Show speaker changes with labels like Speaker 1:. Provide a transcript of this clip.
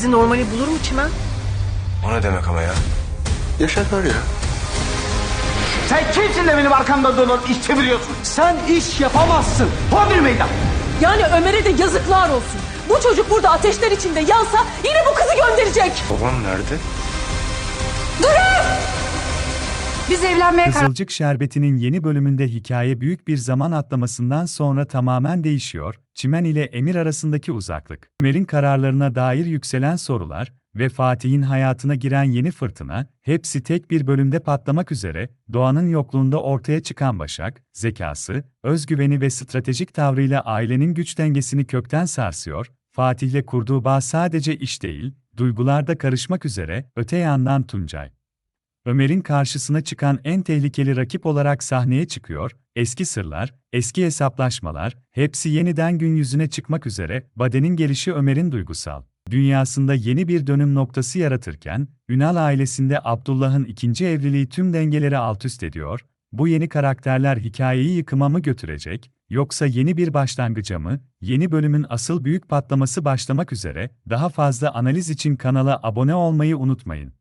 Speaker 1: Bizi normali bulur mu Çimen?
Speaker 2: O ne demek ama ya?
Speaker 3: Yaşar ya.
Speaker 4: Sen kimsin de benim arkamda dolanıp iş çeviriyorsun? Sen iş yapamazsın. Hodri meydan.
Speaker 5: Yani Ömer'e de yazıklar olsun. Bu çocuk burada ateşler içinde yansa yine bu kızı gönderecek.
Speaker 2: Babam nerede?
Speaker 5: Biz evlenmeye
Speaker 6: Kızılcık Şerbeti'nin yeni bölümünde hikaye büyük bir zaman atlamasından sonra tamamen değişiyor. Çimen ile Emir arasındaki uzaklık, Ömer'in kararlarına dair yükselen sorular ve Fatih'in hayatına giren yeni fırtına, hepsi tek bir bölümde patlamak üzere. Doğan'ın yokluğunda ortaya çıkan Başak, zekası, özgüveni ve stratejik tavrıyla ailenin güç dengesini kökten sarsıyor. Fatih'le kurduğu bağ sadece iş değil, duygularda karışmak üzere. Öte yandan Tuncay, Ömer'in karşısına çıkan en tehlikeli rakip olarak sahneye çıkıyor, eski sırlar, eski hesaplaşmalar, hepsi yeniden gün yüzüne çıkmak üzere. Bade'nin gelişi Ömer'in duygusal dünyasında yeni bir dönüm noktası yaratırken, Ünal ailesinde Abdullah'ın ikinci evliliği tüm dengeleri altüst ediyor. Bu yeni karakterler hikayeyi yıkıma mı götürecek, yoksa yeni bir başlangıca mı? Yeni bölümün asıl büyük patlaması başlamak üzere. Daha fazla analiz için kanala abone olmayı unutmayın.